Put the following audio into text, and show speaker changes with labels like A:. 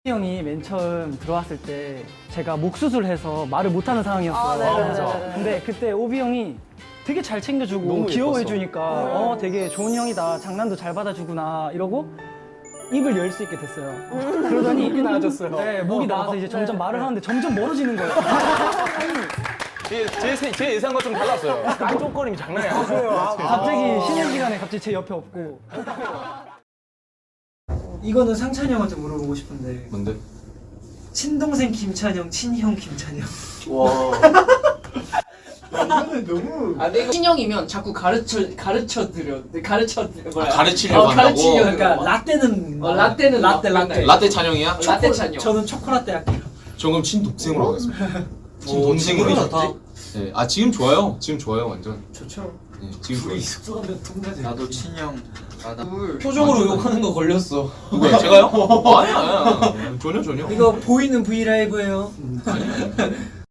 A: 형이 맨 처음 들어왔을 때 제가 목 수술해서 말을 못하는 상황이었어요. 근데 그때 오비 형이 되게 잘 챙겨주고
B: 너무
A: 귀여워해주니까 되게 좋은 형이다, 장난도 잘 받아주구나 이러고 입을 열 수 있게 됐어요. 그러더니
B: 목이 나아졌어요.
A: 네, 목이 나아서 이제 점점 말을 하는데 점점 멀어지는 거예요.
B: 제 예상과 좀 달랐어요. 깐족거림이 장난이 아니에요.
A: 갑자기 쉬는 시간에 갑자기 제 옆에 없고.
C: 이거는 상찬이 형한테 물어보고 싶은데
D: 뭔데?
C: 친동생 김찬영, 친형 김찬영.
D: 와.
C: 이거는 너무
E: 신형이면 자꾸 가르치려고
D: 가르치려고 한다고?
C: 그러니까 라떼는
E: 라떼는
C: 라떼.
D: 라떼 찬영이야?
E: 라떼 찬영.
C: 저는 초코라떼 할게요.
D: 저 그럼 친동생으로 하겠습니다. 친동생으로
B: 좋다.
D: 네. 아 지금 좋아요. 지금 좋아요 완전.
C: 좋죠.
D: 네, 지금 좋아요.
C: 숙소가면 동자지.
F: 나도 친형.
B: 표정으로 욕하는 거 걸렸어.
D: 누구야? 제가요? 아니야. 전혀.
C: 이거 보이는 브이라이브예요.